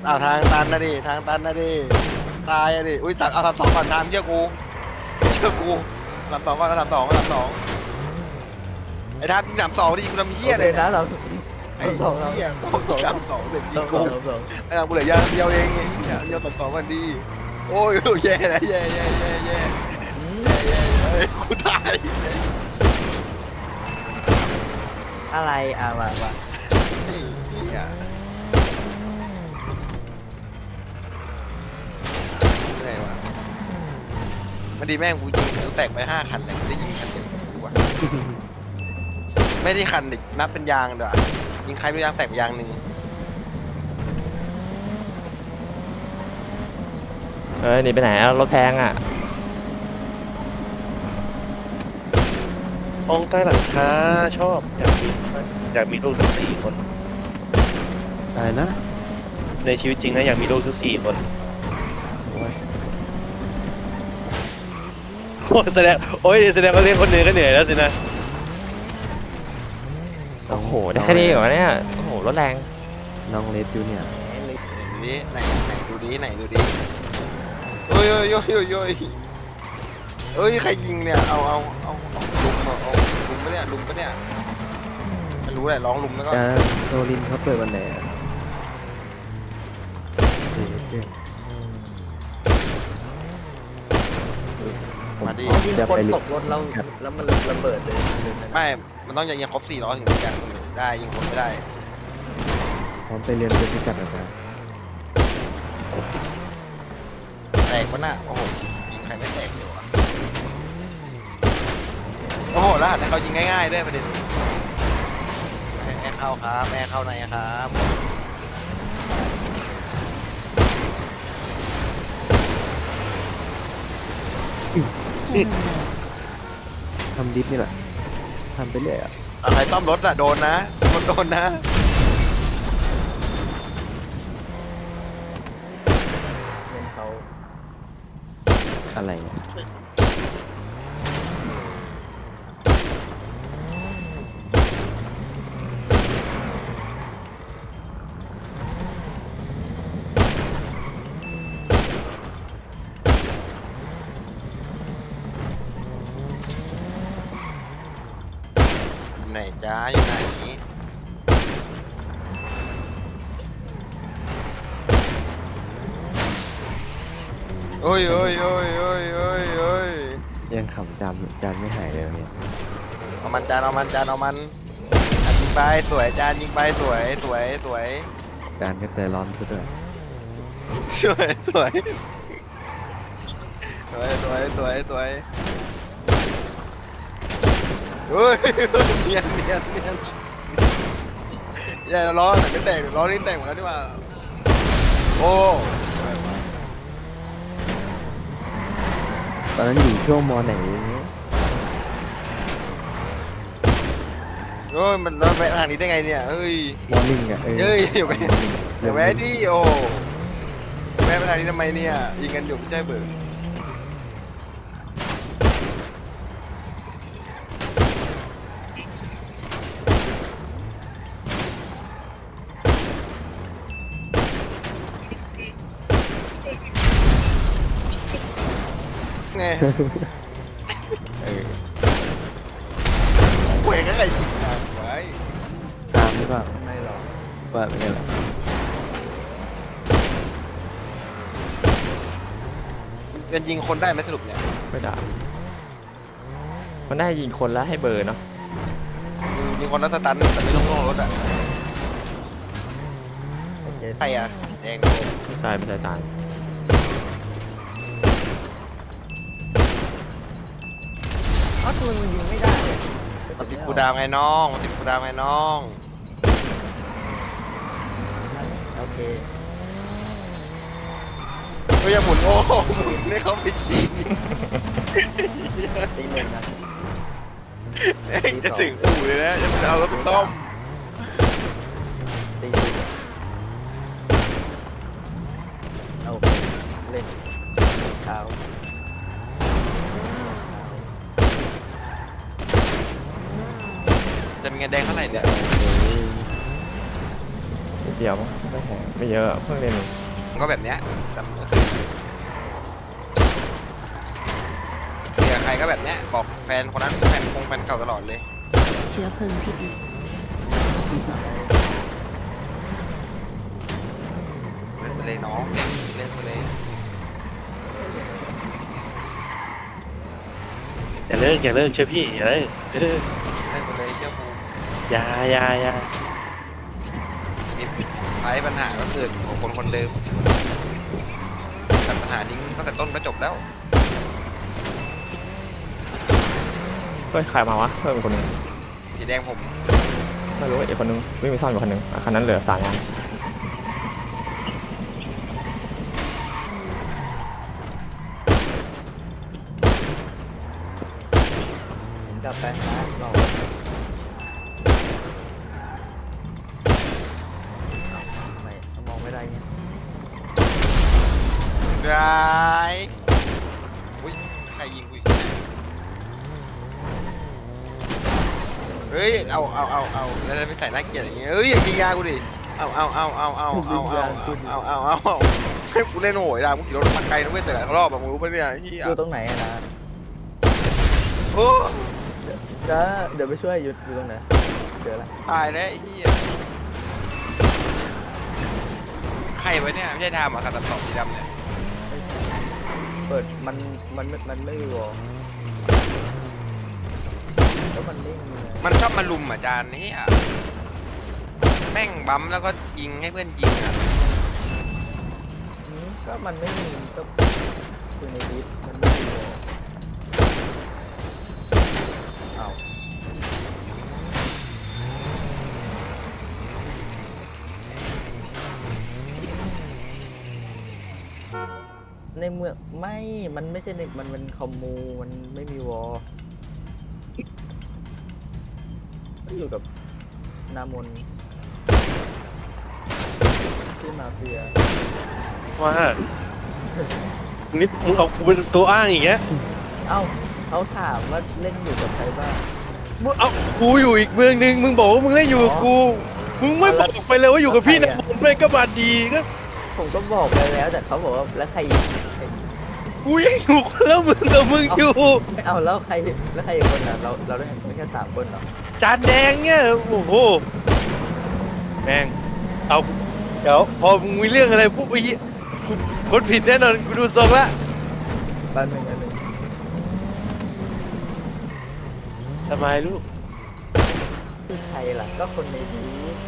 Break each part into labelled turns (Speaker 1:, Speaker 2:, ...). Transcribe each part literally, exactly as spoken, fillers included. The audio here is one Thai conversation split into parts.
Speaker 1: อ้าวทางตันนะดิทางตันนะดิตายอะดิอุ้ยตัดเอาทำสองก่อนทางเชื่อกูเชื่อกูทำสองก่อนทำสองทำสองไอ้ทางทำสองดิกูทำเหี้ย
Speaker 2: โอ
Speaker 1: เล
Speaker 2: เค
Speaker 1: ย
Speaker 2: นะเรา
Speaker 1: ไอ้
Speaker 2: สองเรา
Speaker 1: เหี้ย
Speaker 2: สองสอง
Speaker 1: ทำสองเสร็จยิ
Speaker 2: สอง ง
Speaker 1: กู
Speaker 2: สองสอง
Speaker 1: ไอ้ทางกูเหลือยางเดียวเองไอ้เหี้ยเดียวสองสองกันดีโอ้ยแย่แล้วแย่แย่แย่แย่แย่แย่แย่กูตาย
Speaker 2: อะไรอ่ะมามา
Speaker 1: ไอ้เหี้ยเหนื่อยวะมันดีแม่งกูยิงกูแตกไปห้าคันเลยได้ยิงคันเดียวกูวะ ไม่ได้คันดินับเป็นยางด้วยยิงใครไม่ยางแตกไปยางหนึ่ง
Speaker 3: เออหนีไปไหนอะรถแพงอ่ะ
Speaker 4: ห้องใต้หลังคาชอบอยากมีอยากมีลูกทั้งสี่คน
Speaker 5: อะไรนะ
Speaker 4: ในชีวิตจริงนะอยากมีลูกทั้งสี่คน
Speaker 5: โอ้ย
Speaker 4: โอ้แสดงโอ้ยแสดงว่าเลี้ยงคนเหนื่อยก็เหนื่อยแล้วสินะ
Speaker 3: โอ้โหได้แค่นี้เหรอเนี่ยโอ้โหรถแรง
Speaker 5: น้องเลสจูเนี่ย
Speaker 1: ดูดิไหนไหนดูดิไหนดูดิโอ้ยโอ้ยโอ้ยโอ้ยโอ้ยเอ้ยใครยิงเนี่ยเอาเอาเอาเอาลุมเอาเอาลุมปะเนี่ยลุมปะเนี่ยไม่รู้แหละร้องลุมแล้วก็
Speaker 5: จะโซลินเขาเปิดวันไหนอะเดี๋ยวเดี๋ยวผม
Speaker 1: มาดิ
Speaker 5: พร้อม
Speaker 2: ที่
Speaker 5: จะ
Speaker 2: คน
Speaker 5: ไป
Speaker 2: ตกรถแล้วแล้วมันระเบิดเลย
Speaker 1: ไม่มันต้องยิงครบสี่ล้อถึงจะได้ยิงคนไม่ได้
Speaker 5: พร้อมไปเรียนเป็นพิกัดอาจารย์
Speaker 1: แตกปะน่ะโอ้โหยิงใครไม่แตกเลยวะโอ้โหแล้วหันให้เขายิงง่ายๆด้วยประเด็นแม่เข้าครับแม่เข้าในครับ
Speaker 5: ทำดิฟนี่แหละทำไปเรื่อยอ่ะ
Speaker 1: ใครซ่อมรถอะโดนนะรถโดนนะ
Speaker 2: เงินเขา
Speaker 5: อะไรอะ
Speaker 1: อยู่ไหนจ้าอยู่ไหนโอ้ยโอ้ยโอ้ยโอ้ยโอ้ยโอ้ย
Speaker 5: ยังขำจำจานไม่หายเลยเนี่ย
Speaker 1: เอามันจานเอามันจานเอามันอ่ะยิงไปสวยจานยิงไปสวยสวยสวย
Speaker 5: จานก็ใจร้อนซะด้วย
Speaker 1: สวยสวยสวยสวยสวยสวยเฮ้ยเนียนเนียนเนียนอย่าล้อไหนไม่แตกล้อนี่แตกหมดแล้วนี่หว่าโอ้
Speaker 5: ตอนนั้นอยู่ช่วงมไหนอย่างเงี้ย
Speaker 1: โอ้ยมันรถไปทางนี้ได้ไงเนี่ยเฮ้ย
Speaker 5: มอร์นิ่งอะเออ
Speaker 1: เฮ้ยอย่าไป
Speaker 5: มอร์นิ่ง
Speaker 1: เดี๋ยวแม่ดิโอแม่ไปทางนี้ทำไมเนี่ยยิงกันอยู่ไม่ใช่เบิร์ไง
Speaker 5: เออ
Speaker 1: เว้ยก็ไงยิงทางไว้
Speaker 5: ตามหรือเปล่า
Speaker 2: ไม่หรอก
Speaker 5: ว่าเป็นไงล่ะ
Speaker 1: เป็นยิงคนได้ไหมสรุปเนี่ย
Speaker 3: ไม่ได้มันได้ยิงคนแล้วให้เบอร์เนาะ
Speaker 1: ยิงคนแล้วสตันแต่ไม่ต้องลงรถอ่ะ
Speaker 2: โอเค
Speaker 1: ใครอ่ะแดง
Speaker 3: ไม่ใช่ไม่ใช่ตาย
Speaker 2: เอ้าตัวมันยิงไม่ได้เลย
Speaker 1: มันติดกูดาวไงน้องมันติดกูดาวไงน้อง
Speaker 2: โอเค
Speaker 1: ก็อย่าหมุนโอ้โหหมุนให้เขาไปยิง
Speaker 2: ตีหนึ่งนะ
Speaker 1: เองจะถึงอู่เลยนะจะเอารถไปต้ม
Speaker 2: ตีหนึ่งเอาไปเล่นเท้า
Speaker 1: จะมีเงินแดงเท่าไหร่เนี่ย
Speaker 3: นิดเดียวมั้งไม่แพงไม่เยอะเพิ่งเรียนเอง
Speaker 1: ก็แบบเนี้ยแต่ไม่เคยเจอใครก็แบบเนี้ยบอกแฟนคนนั้นแฟนคงแฟนเก่าตลอดเลย
Speaker 6: เชื้อเพลิงที่ดี
Speaker 1: เล่นไปเลยน้องเล่นเล่นไปเลย
Speaker 4: อย่าเลิกอย่าเลิกเชื่อพี่อย่าเลิกเออ
Speaker 1: เล่นไปเลยเจ้าภูมิ
Speaker 4: อย่าอย่าอย่า
Speaker 1: มีไอ้ปัญหาก็เกิดของคนคนเดิมตัดปัญหาทิ้งตั้งแต่ต้นก็จบแล้ว
Speaker 3: เฮ้ยใครมาวะเพิ่มอีกคนหนึง
Speaker 1: สีแดงผม
Speaker 3: ไม่รู้อีกคนหนึงวิ่งไปซ่อนอยู่คนหนึงอ่ะคันนั้นเหลือสามยัง
Speaker 2: กลับไปนะเราทำไมมองไม่ได้เนี่ย
Speaker 1: ร้ายอุ้ยใครยิงกูอีกเฮ้ยเอาเอาเอาเอาแล้วไม่ใส่หน้าเกลียดอย่างเงี้ยเฮ้ยอย่ายิงยากูดิเอาเอาเอาเอาเอาเอาเอาเอาเอาเอาเอาให้กูเล่นโหยได้มึงขี่รถมาไกลนะเว้ยแต่ละรอบอะมึงรู้ปะเนี่ยไอ้เหี้ย
Speaker 2: อยู่ตรงไหนอะนะ
Speaker 1: โอ้
Speaker 2: จะเดี๋ยวไปช่วยอยู่อยู่ตรงไหนเจอละ
Speaker 1: ตายแล้วไอ้เหี้ยใครวะเนี่ยไม่ใช่ทามอ่ะขัดตัดต่อสีดำเนี่ย
Speaker 2: เปิดมันมันมันไม่มีวอลแล้วมันนิ่งเลย
Speaker 1: มันชอบมาลุมอ่ะจานนี้อ่ะแม่งบั๊มแล้วก็ยิงให้เพื่อนยิงอ่ะ
Speaker 2: อืมก็มันไม่มีก็คือในดิสมันไม่มีวอลอ้าวในเมืองไม่ มันไม่ใช่ในมันเป็นคอมมู มันไม่มีวอลก็อยู่กับนามนที่มาเฟีย
Speaker 4: ว่านี่มึงเอากูเป็นตัวอ้างอย่างเงี้ย
Speaker 2: เอ้าเขาถามว่าเล่นอยู่กับใครบ้าง
Speaker 4: มึงเอากูอยู่อีกเมืองนึงมึงบอกว่ามึงเล่นอยู่กับกูมึงไม่บอกไปเลยว่าอยู่กับพี่นะผมเลยก็มาดีก็
Speaker 2: ผมก็บอกไปแล้วแต่เขาบอกว่าแล้วใครอีกใคร
Speaker 4: กูยังอยู่คนละมึงกับมึงอยู่
Speaker 2: ไม่เอาแล้วใครแล้วใครอีกคนอ่ะเราเราได้ไม่แค่สามคนเหรอ
Speaker 4: จานแดงเนี่ยโอ้โหแม่งเอาเดี๋ยวพอมึงมีเรื่องอะไรปุ๊บไอ้เหี้ยกูคนผิดแน่นอนกูดูทรงละ
Speaker 2: บ้านหนึ่งอันหนึ่ง
Speaker 4: สบายลูก
Speaker 2: คือใครล่ะก็คนในนี้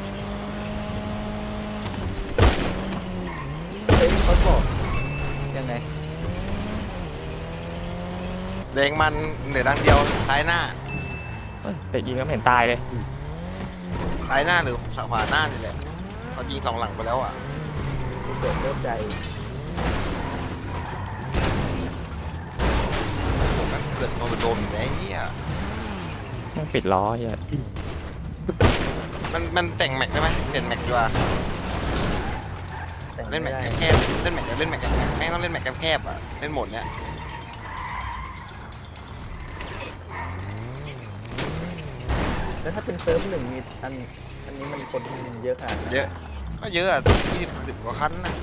Speaker 2: เฮ้ยเขาบอกยังไง
Speaker 1: แดงมันเหนือดังเดียวซ้ายหน้า
Speaker 3: เฮ้ยแต่ยิงก็ไม่เห็นตายเลย
Speaker 1: ซ้ายหน้าหรือขวาหน้านี่แหละเขายิงสองหลังไปแล้วอ่ะ
Speaker 2: กูเกิดเริ่มใจ
Speaker 1: ผมมันเกิดโดนโดนอยู่แล้วไอ้เหี้ย
Speaker 3: แม่งปิดล้อเหี้ย
Speaker 1: มันมันแต่งแม็กได้ไหมเปลี่ยนแม็กดีกว่า
Speaker 2: แต่
Speaker 1: เล่นแม็
Speaker 2: ไม่
Speaker 1: ก
Speaker 2: ได้
Speaker 1: แคบๆเล่นแม็กเล่นแม็กแม่งต้องเล่นแม็กแคบๆอ่ะเล่นโหมดเนี้ย
Speaker 2: แล้วถ้าเป็นเซิร์ฟหนึ่งมีอันอันนี้มันคนเยอะขนาดไหน
Speaker 1: เยอะก็เยอะอ่ะยี่สิบสิบกว่าคันนะ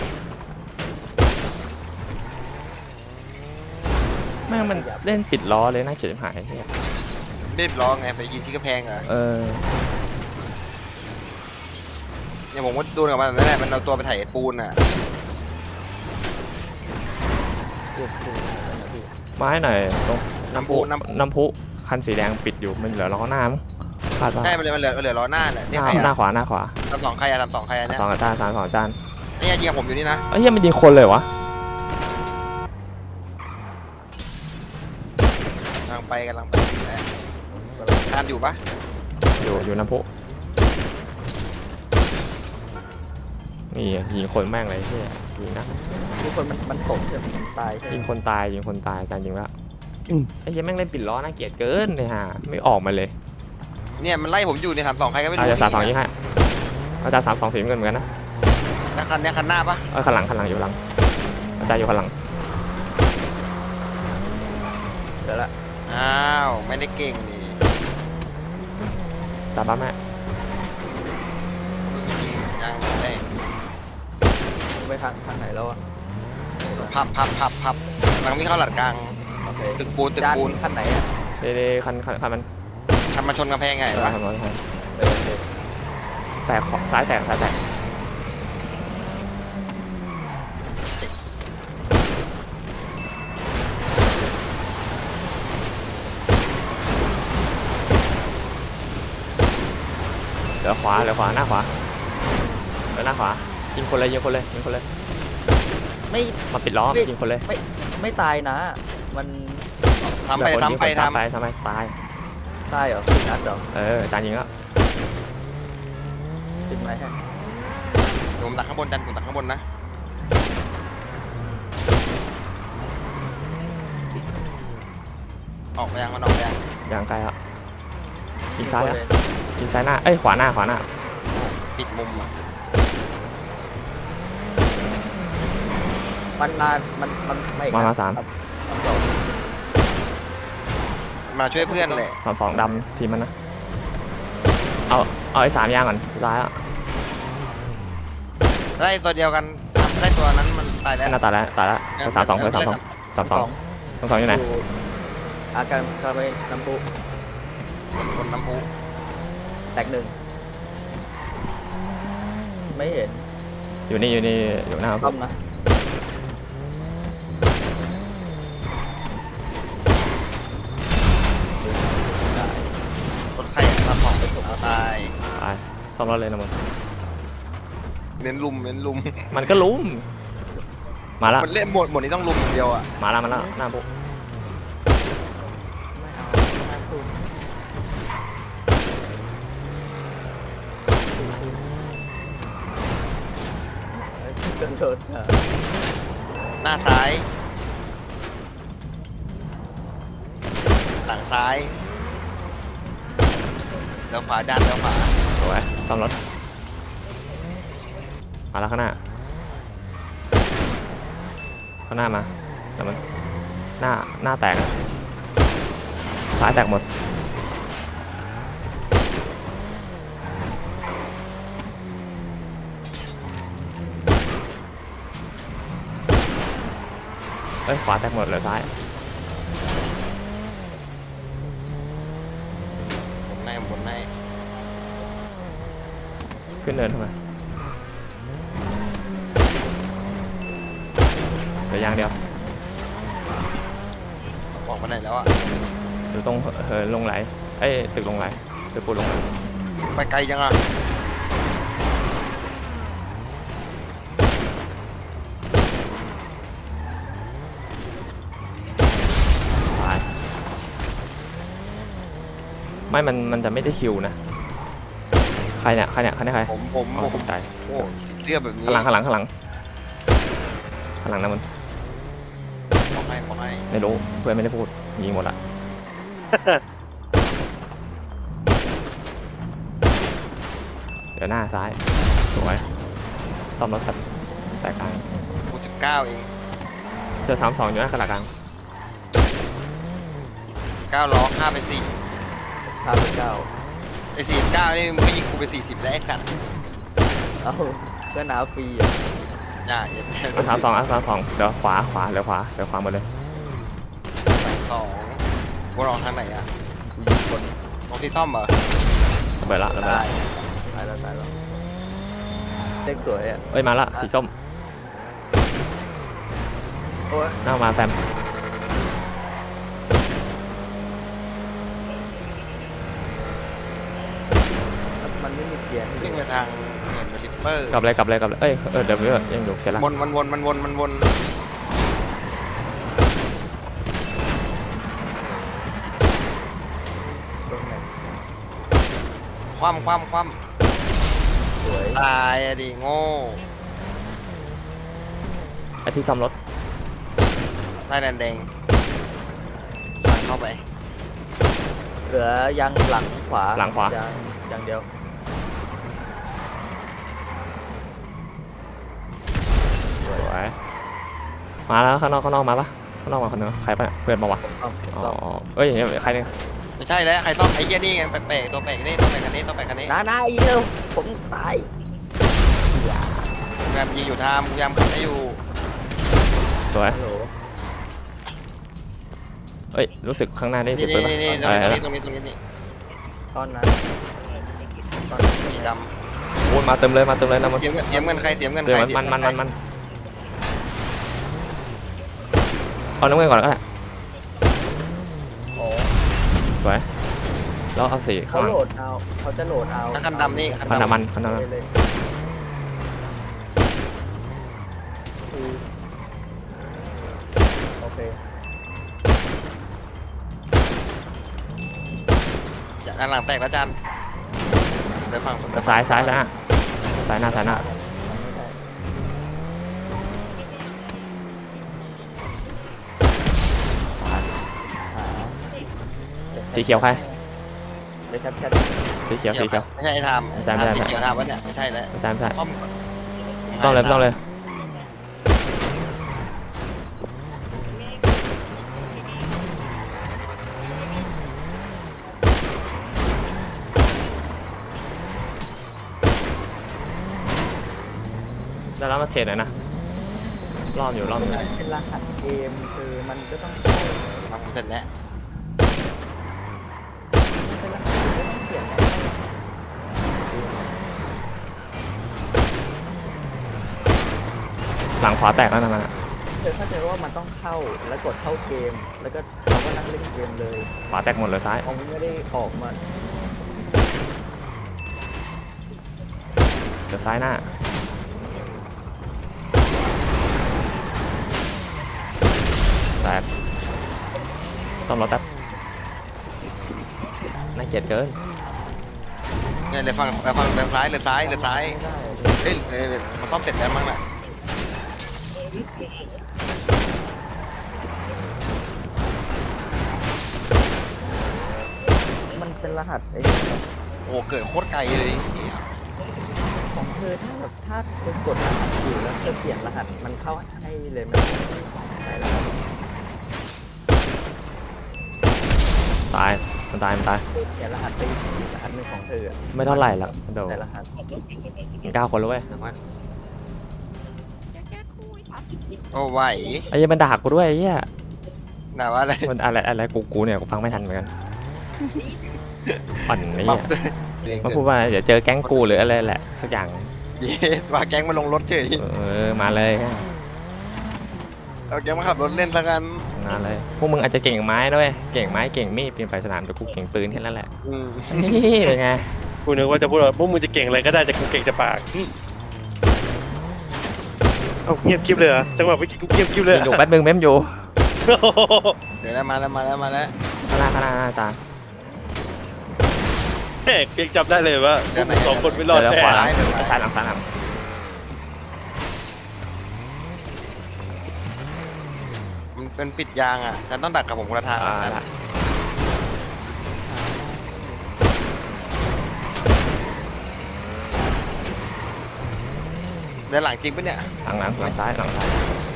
Speaker 3: แม่งมันเล่นปิดล้อเลยน่าเกลียดชิบหายเหี้ย
Speaker 1: เล่นล้อไงไปยิงที่กระแพงอ่ะ
Speaker 3: เออ
Speaker 1: เนี่ยผมก็โดนกับมันนั่นแหละมันเอาตัวไปถ่ายปูนอ่ะ
Speaker 2: เกือบถูกแล้วนะพี่
Speaker 3: มาให้หน่อยตรง
Speaker 1: น้ำปูน้ำ
Speaker 3: น้ำพุคันสีแดงปิดอยู่มันเหลือล้อหน้ามั้งคาดว่า
Speaker 1: ใช่มันเหลือมันเหลือมันเหลือล้อหน้าแหละ
Speaker 3: ห
Speaker 1: เนี่ย
Speaker 3: น้า
Speaker 1: ใคร
Speaker 3: หน้า
Speaker 1: อ่ะ
Speaker 3: ขวาหน้าขวา
Speaker 1: ทำสองใครอ่ะทำสองใครอ่ะเนี่ย
Speaker 3: สองอาจารย์สามสองอาจารย์
Speaker 1: เนี่ยยิงกับผมอยู่นี่นะ
Speaker 3: เอ้ยเหี้ยมันยิงคนเลยวะ
Speaker 1: กำลังไปกำลังไปแล้วทานอยู่ปะ
Speaker 3: อยู่อยู่น้ำพุนี่ยิงคนแม่งเลยเหี้ยยิงนะ
Speaker 2: ทุกคนมันมันตกใช่ไหมมันตายใช่ไหม
Speaker 3: ยิงคนตายยิงคนตายอาจารย์ยิงแล้วไอ้เหี้ยแม่งเล่นปิดล้อน่าเกลียดเกินเลยฮะไม่ออกมาเลย
Speaker 1: เนี่ยมันไล่ผมอยู่ในสามสองใครก็ไม่รู้
Speaker 3: อาจารย์สามสองยิงให้อาจารย์สามสองสีเงินเหมือนกันนะ
Speaker 1: แล้วคันเนี้ยคันหน้าปะ
Speaker 3: เออขันหลังขันหลังอยู่หลังอาจารย์อยู่ขันหลัง
Speaker 2: เดี๋ยวละ
Speaker 1: อ้าวไม่ได้เก่งนี่
Speaker 3: ตามบ้านแม่
Speaker 1: ยิงยังได้
Speaker 2: ไปทางทางไหนแล้วอ่ะ
Speaker 1: พับพับพับพับกำลังวิ่งเข้าหลัดกลาง
Speaker 2: โอเค
Speaker 1: ตึกปูนตึก
Speaker 2: จาน
Speaker 1: ปูน
Speaker 2: คันไหนอ่ะ
Speaker 3: เดๆคันคันคันมัน
Speaker 1: ทำมาชนกำแพงไง
Speaker 3: เออ
Speaker 1: วะ
Speaker 3: คันมันคัน
Speaker 2: เออโอเค
Speaker 3: แตกขวาซ้ายแตกซ้ายแตกเหลือขวาเหลือขวาหน้าขวาเหลือหน้าขวายิงคนเลยยิงคนเลยยิงคนเลย
Speaker 2: ไม่
Speaker 3: มาปิดล้อ
Speaker 2: ไม่
Speaker 3: ยิงคนเลย
Speaker 2: ไม่ไม่ตายนะ มัน
Speaker 1: ทำไป
Speaker 3: เหลือคน
Speaker 1: ทำไป
Speaker 3: ยิงคน
Speaker 1: ทำ
Speaker 3: ไปทำไปตาย
Speaker 2: ตายเหรอสินัดเหรอ
Speaker 3: เออจานยิงแล้ว
Speaker 2: ติดไหมฮะ
Speaker 1: ผมตักข้างบนดันผมตักข้างบนนะออกไปยังมันออกไปยัง
Speaker 3: อย่างไกลอ่ะยิงซ้าย
Speaker 2: เล
Speaker 3: อ่ะยิงซ้ายหน้าเอ้ยขวาหน้าขวาหน้า
Speaker 1: ปิดมุมอ่ะ
Speaker 2: มันมามันมันไม่อีก
Speaker 3: มา
Speaker 2: นะ
Speaker 3: มาสาม
Speaker 2: มันสอง
Speaker 1: มาช่วยเพื่อนเลย
Speaker 3: สองสองดำทีมมันนะเอาเอาไอ้สามยางก่อนซ้ายอ่ะ
Speaker 1: ได้ตัวเดียวกันทำได้ตัวนั้นมันตายแล้ว
Speaker 3: หน้าตายแล้วตายแล้วสามสองสามสองสามสองสามสองอยู่ไหน
Speaker 2: อาการกาไปน้ำพุ
Speaker 1: คนน้ำพุ
Speaker 2: แตกหนึ่งไม่เห็น
Speaker 3: อยู่นี่อยู่นี่อยู่หน้า
Speaker 2: ต้อมนะ
Speaker 1: คนใครมาของไปถูกตาย
Speaker 3: ตายซ่อมรถเลยนะมึง
Speaker 1: เน้นลุมเน้นลุม
Speaker 3: มันก็ลุ้มมาแล้ว
Speaker 1: มันเล่นหมดหมดนี้ต้องลุมอย่างเดียวอ่ะ
Speaker 3: มาแล้วมาแล้วหน้าปุ๊บ
Speaker 2: ไม่เอาน้ำพุเดินโดดอ่ะ
Speaker 1: หน้าซ้ายหลังซ้ายแล้วขวาด้านแล้วขวา
Speaker 3: สวยซ่อมรถมาแล้วข้างหน้าข้างหน้ามาแล้วมันหน้าหน้าแตกอะซ้ายแตกหมดเอ้ยขวาแตกหมดเลยซ้าย
Speaker 1: บนในบนใน
Speaker 3: ขึ้นเนินทำไมเหลือยางเดียว
Speaker 1: ออกมาไหนแล้วอ่ะ
Speaker 3: อยู่ตรงเหินลงไหลเอ้ยตึกลงไหลตึกปูนลงไหล
Speaker 1: ไปไกลยังอ่ะ
Speaker 3: ตายไม่มันมันจะไม่ได้คิวนะใครเนี่ยใครเนี่ยใครเนี่ยใคร
Speaker 1: ผมผม
Speaker 3: อ๋อ
Speaker 1: ผม
Speaker 3: ตกใจ
Speaker 1: โอ้เสื้อแบบนี้
Speaker 3: ข้างหลังข้างหลังข้างหลังข้างหลังนะมัน
Speaker 1: บอกให้บอกให้
Speaker 3: ไม่รู้เพื่อนไม่ได้พูดยิงหมดละ เดี๋ยวหน้าซ้ายสวยซ่อมรถครับแตกกลาง
Speaker 1: กูสิบเก้าเอง
Speaker 3: เจอสามสองอยู่หน้ากระดาษกลาง
Speaker 1: เก้าล้อฆ่าไปสี่
Speaker 2: ข้าพเจ้า
Speaker 1: ไอ้สี่สิบเก้านี่มึงก็ยิงกูไปสี่สิบแล้วไอ้สัตว์
Speaker 2: เอาก็หนาวฟรีอ่ะ
Speaker 1: อย่าอย่า
Speaker 3: อ่ะสามสองอ่ะสามสองเดี๋ยวขวาขวาเดี๋ยวขวาเดี๋ยวขวาหมดเลย
Speaker 1: สองกูรอทางไหนอ่ะ
Speaker 2: กูยิงคน
Speaker 1: ตรงที่ซ่อมเหรอ
Speaker 3: ระเบิดละระเบิด
Speaker 1: ได้
Speaker 3: ละ
Speaker 2: ตายแล้วตายแล้วเด็กสวยอ่ะ
Speaker 3: เอ้ยมาละสีส้ม
Speaker 2: โอ้ย
Speaker 3: หน้ามาแฟม
Speaker 2: มันไม่มีเกียร์ให้
Speaker 1: วิ่งไปทางเหมือนลิปเปอร์
Speaker 3: กลับเลยกลับเลยกลับเลยเอ้ยเออเดี๋ยวเดี๋ยวยังอยู่เสร็จละ
Speaker 1: วนมันวนมันวนมันวน
Speaker 2: ตรงไหน
Speaker 1: คว่ำคว่ำคว่
Speaker 2: สวย
Speaker 1: ำตายอะดิโง่
Speaker 3: ไอ้ที่ซ่อมรถ
Speaker 1: ได้แดงแดงหลังเข้าไป
Speaker 2: เหลือยางหลังขวา
Speaker 3: หลังขวาย
Speaker 2: างยางเดียว
Speaker 3: สวยมาแล้วข้างนอกข้างนอกมาปะข้างนอกมาคนนึงใครปะเนี่ยเพื่อนปะวะ
Speaker 2: ต้อง
Speaker 3: อ๋อ
Speaker 2: ต้อง
Speaker 3: เอ้ยใครเนี่ย
Speaker 1: ไม่ใช่แล้วใครซ่อมไอ้เหี้ยนี่ไงแปลกๆตัวแปลกนี่ตัวแปลกคันนี้ตัวแปลกคันนี้
Speaker 2: น้าน้าอีกแล้วผมตาย
Speaker 1: พยายามยิงอยู่ทามพยายามขัดให้อยู่
Speaker 3: สวย
Speaker 2: ฮัลโหล
Speaker 3: เอ้ยรู้สึกข้างหน้าได้
Speaker 1: นี่
Speaker 3: สุดปืนปะ
Speaker 1: นี่นี่ตรง
Speaker 3: อะไร
Speaker 1: นี้ตรง
Speaker 3: นะ
Speaker 1: นี้ตรงนี้ตรงนี้นี่
Speaker 2: ตอนนั้นตอนนั้น
Speaker 1: สีด
Speaker 3: โอ้ยมาเติมเลยมาเติมเลยนะมัน
Speaker 1: ำเสียเงินเสียเงินใครเสียเงินใค
Speaker 3: เดี๋ยว
Speaker 1: ร
Speaker 3: มันมันมันมันเอาน้ำเงินก่อนก็ได้
Speaker 2: โอ้
Speaker 3: สวยแล้วเอาสีข้า
Speaker 2: เขา
Speaker 3: งหลัง
Speaker 2: โหลดเอาเขาจะโหลดเอา
Speaker 1: คันดำนี่คัน
Speaker 3: คัน
Speaker 1: ดำ
Speaker 3: น้ำมันคันน้ำมัน
Speaker 2: เลยเลยคือโอเค
Speaker 1: ด้านหลังแตกแล้วจันเดี๋ยวฝั่งเดี๋วฝั่ง
Speaker 3: ซ้ายซ้ายแล้วซ้ายหน้าซ้ายหน้า สีเขียวใคร
Speaker 2: เดี๋ยวแคปแคป
Speaker 3: สีเขียวสีเขียว
Speaker 1: ไม่ใช่ไอ้ทาม
Speaker 3: ไม่ใช่ไม่ใช่
Speaker 1: สีเขียวทามวะเนี่ยไม่ใช่แล้ว
Speaker 3: ไม่ใช่ไม่ใช่
Speaker 1: ซ่อม
Speaker 3: ไม่ต้องเลยไม่ต้องเลยได้แล้วมาเทรดหน่อยนะรอบอยู่รอบอยู่
Speaker 2: เป็นรหัสเกมคือมันก็ต้อง
Speaker 1: ทำเสร็จแล้ว
Speaker 2: เป็นรหัสเกมก็ต้องเปลี่ยนนะ
Speaker 3: หลังขวาแตกแล้วนะมันอะ
Speaker 2: เธอเข้าใจว่ามันต้องเข้าแล้วกดเข้าเกม แล้วก็เราก็นั่งเล่นเกมเลย
Speaker 3: ขวาแตกหมดเลยซ้าย
Speaker 2: เขาไม่ได้ออกมา
Speaker 3: เดี๋ยวซ้ายหน้าแตกต้องรถแป๊บน่าเกลียดเกิน
Speaker 1: เนี่ยเลยฝั่งเลยฝั่งเลยซ้ายเลยซ้ายเลยซ้าย
Speaker 2: ไม่ได้
Speaker 1: เฮ้ยเฮ้ยเฮ้ยมันซ่อมเสร็จแล้วมั้งน่ะ
Speaker 2: มันเป็นรหัสไอ้
Speaker 1: โอ้เกิดโคตรไกลเลย
Speaker 2: ของเธอถ้าแบบถ้าเธอกดรหัสอยู่แล้วเธอเปลี่ยนรหัสมันเข้าให้เลยมันใช่แล้ว
Speaker 3: ตายมันตายมันตาย
Speaker 2: เปลี่ยนรหัสไปอีกรหัสหนึ่งของเธออะ
Speaker 3: ไม่เท่าไหร่หรอกเดี๋ยว
Speaker 2: แต่รหัส
Speaker 3: เก้าคนแล้วเว้ย
Speaker 1: โอ้ไหว
Speaker 3: ไอ้เหี้ยมันด่ากูด้วยไอ้เหี้ย
Speaker 1: หนาว่าอะไร
Speaker 3: มันอะไรอะไรกูกูเนี่ยกูฟังไม่ทันเหมือนกันอ่อนไอ้
Speaker 1: ปรั
Speaker 3: เหี้
Speaker 1: บ
Speaker 3: ย
Speaker 1: ด้วยเอง
Speaker 3: มันพูดว่าเดี๋ยวเจอแก๊งกูหรืออะไรแหละสักอย่าง
Speaker 1: เย้ว่าแก๊งมาลงรถเฉย
Speaker 3: เออมาเลย
Speaker 1: เอาแก๊งมาขับรถเล่นซะกัน
Speaker 3: มาเลยพวกมึงอาจจะเก่งไม้ด้วยเก่งไม้เก่งมีดปีนไปสนามแต่กูเก่งปืนแค่นั้นแหละ
Speaker 1: อืม
Speaker 3: นี่เป็นไง
Speaker 4: กูนึกว่าจะพูดว่าพวกมึงจะเก่งอะไรก็ได้แต่กูเก่งแต่ปากอืมเอาเงียบคลิปเลยเหรอจังหวะเมื่อกี้กูเงียบคลิปเลยเหร
Speaker 3: อยู่
Speaker 4: อ
Speaker 3: แป๊บนึงเม้มอยู่
Speaker 4: โอ้โห
Speaker 1: เดี๋ยวแล้วมาแล้วมาแล้วมาแล้ว
Speaker 3: ข้างหน้าข้างหน้าหน้าตา
Speaker 4: แหกยังจำได้เลยว่าพวกมึงสองคนไม่รอด
Speaker 3: เดี๋ยว
Speaker 4: แน่
Speaker 3: ขวาหลังซ้ายหลังซ้ายหลัง
Speaker 1: มันเป็นปิดยางอ่ะฉันต้องดักกับผมคนละทาง
Speaker 3: อ่า
Speaker 1: นะ
Speaker 3: ละ
Speaker 1: เดินหลังจริงปะเนี่ย
Speaker 3: หลังหลังหลังซ้ายหลังซ้าย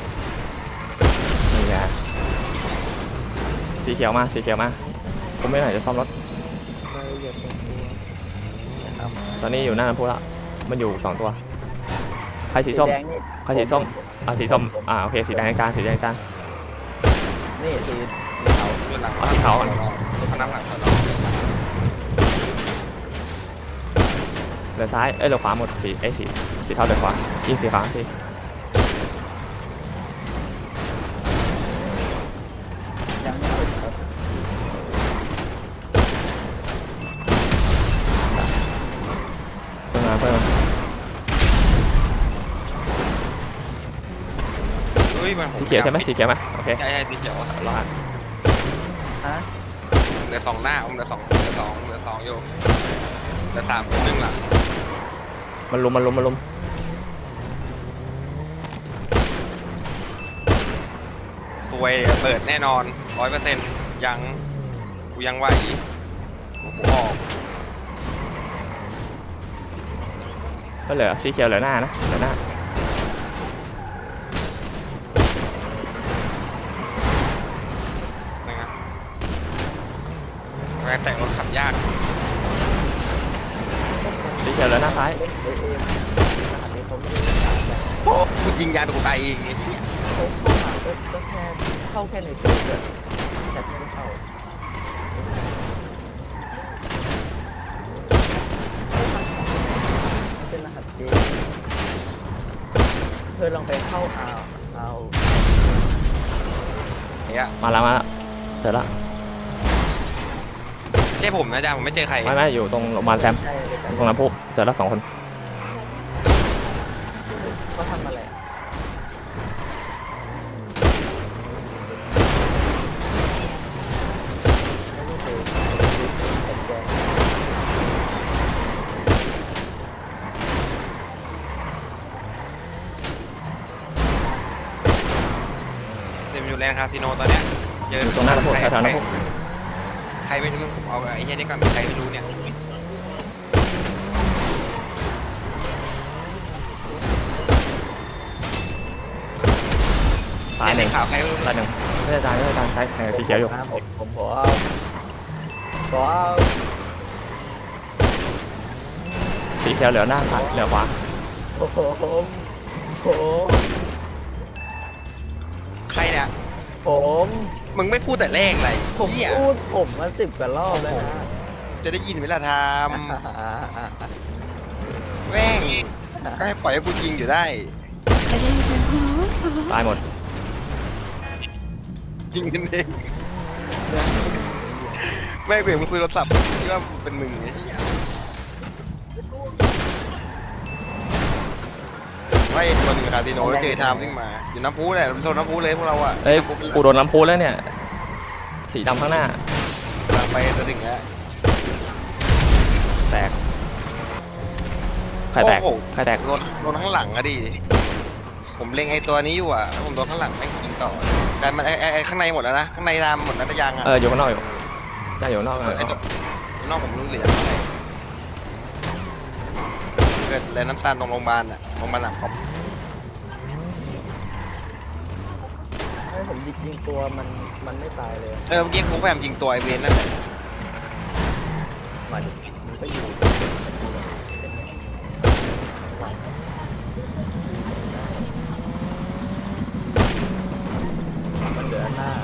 Speaker 3: นี่ไงสีเขียวมาสีเขียวมาผมไม่ไหนจะซ่อมรถ
Speaker 2: เราเหยียบตรงตัวนะครับ
Speaker 3: ตอนนี้อยู่หน้าน้ำพุแล้วมันอยู่สองตัวใครสีส้ม
Speaker 2: แดงนี่
Speaker 3: ใครสีส้มอ่าสีส้มอ่าโอเคสีแดงกลางสีแดงกลาง
Speaker 2: นี่สีขาว
Speaker 1: เดินหลัง
Speaker 3: เอาสีขาวก่อน
Speaker 1: เขานั่งหลังเขา
Speaker 3: เหลือซ้ายเอ้ยเหลือขวาหมดสีเอ้ยสีสีเทาเหลือขวายิงสีขาวสิ
Speaker 2: ยังไม่ติดครับ
Speaker 3: เพิ่มมาเพิ่มมา
Speaker 1: เฮ้ยมัน
Speaker 3: สีเขียวใช่ไหมสีเขียวไหมโอเค
Speaker 1: ใช่ใช่สีเขียวอะ
Speaker 3: รอด
Speaker 2: ฮะ
Speaker 1: เหลือสองหน้าผมเหลือสองเหลือสองเหลือสองอยู่เหลือสามคนหนึ่งหลัง
Speaker 3: มันลุมมันลุมมันลุม
Speaker 1: สวยเปิดแน่นอนร้อยเปอร์เซ็นต์ยังกูยังไหวกูออก
Speaker 3: ก็เหลือสีเขียวเหลือหน้านะเหลือหน้า
Speaker 1: นะครับแรงแต่งรถขับยาก
Speaker 3: สีเขียวเหลือหน้าซ้าย
Speaker 2: เล่นเอเอ็มรหัสนี้เขาไม่ได้ขายแบบ
Speaker 1: โอ้กูยิงยางตัวกูตายเองไอ้เหี้ย
Speaker 2: เขาเข้ามาก็ก็แค่เข้าแค่ในเซิร์ฟเวอร์แต่ไม่ได้เข้ามันเป็นรหัสเกมเธอลองไปเข้าเอาเอา
Speaker 1: ไอ้เหี้ย
Speaker 3: มาแล้วมาแล้วเจอละ
Speaker 1: ใช่ผมนะจ๊ะผมไม่เจอใคร
Speaker 3: ไม่ไม่อยู่ตรงโรงพยาบาลแซม
Speaker 2: ใช่เลยกัน
Speaker 3: ตรงน้ำพุเจอละสองคน
Speaker 2: เขาทำอะไรอ่ะไม่ได้เจอแต่แก
Speaker 1: เต็มอยู่แลนด์คาสิโนตอนเนี้ยเจอ
Speaker 3: อยู่ตรงหน้าน้ำพุ
Speaker 1: ใคร
Speaker 3: แถวๆน้ำพุ
Speaker 1: ใครไม่รู้ผมเอาไอ้เหี้ยนี่ก่อนใครไม่รู้เนี่ย
Speaker 3: ตายห
Speaker 1: ใน
Speaker 3: นึ่ง
Speaker 1: ข่าวใครไม่รู้
Speaker 3: ตายหนึ่งไม่ได้ตายไม่ได้ตายตายแข่งสีเขียวอยู่
Speaker 2: นะผมผมขอเอาขอเอา
Speaker 3: สีเขียวเหลือหน้าซ้ายเหลือขวา
Speaker 2: ผมผม
Speaker 1: ใครเนี่ย
Speaker 2: ผม
Speaker 1: มึงไม่พูดแต่แรกเลย
Speaker 2: ผม
Speaker 1: เหี้ย
Speaker 2: พูดผมมาสิบกว่ารอบแล้วนะ
Speaker 1: จะได้ยินเวลาท
Speaker 2: อ่า
Speaker 1: ำ
Speaker 2: อ่าอ่า
Speaker 1: แม่งก็ให้ปล่อยให้กูยิงอยู่ได้
Speaker 6: ไปเล่นกันโอ้โห
Speaker 3: ตายหมด
Speaker 1: ยิงกันเองแม่งเบี่ยงมึงคุยโทรศัพท์คิดว่าเป็นมึงไอ้เหี้ยไม่ตัวหนึ่งคาสิโนเจอไทม์วิ่งมาอยู่น้ำพุแหละโซนน้ำพุเลยพวกเราอะ
Speaker 3: เอ้ย
Speaker 1: น้ำพุเป็นหลั
Speaker 3: กูโดนน้ำพุแล้วเนี่ยสีดำข้างหน้า
Speaker 1: กำลังไปจะถึงแล้ว
Speaker 3: แตกใครแตก
Speaker 1: โอ้โห
Speaker 3: ใครแตก
Speaker 1: โดนโดนข้างหลังอะดิผมเล็งไอ้ตัวนี้อยู่อะแล้วผมโดนข้างหลังไม่งยิงต่อแต่มันไอ้ไอ้ไอ้ข้างในหมดแล้วนะข้างในทำหมดแล้วแต่ยังอะ
Speaker 3: เอออยู่ข้างนอกอยู่ได้อยู่ข้างนอกเออ
Speaker 1: ไอ้ตัวนอกผมรู้เหลือเท่าไหร่เกิดแลน้ำตาลตรงโรงพยาบาลอะโรงพยาบาลหลังผม
Speaker 2: ให้ผมยิงยิงตัวมันมันไม่ตายเลย
Speaker 1: เออเมื่อกี้กูพยายามยิงตัวไอเวนนั่นแหละ
Speaker 2: มันมันก็อยู่มันเหลือหน้า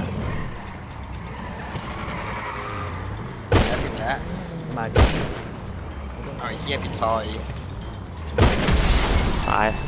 Speaker 1: แล้วถึงแล้ว
Speaker 2: มาดิ
Speaker 1: เอาไอ้เหี้ยปิดซอย
Speaker 3: ตาย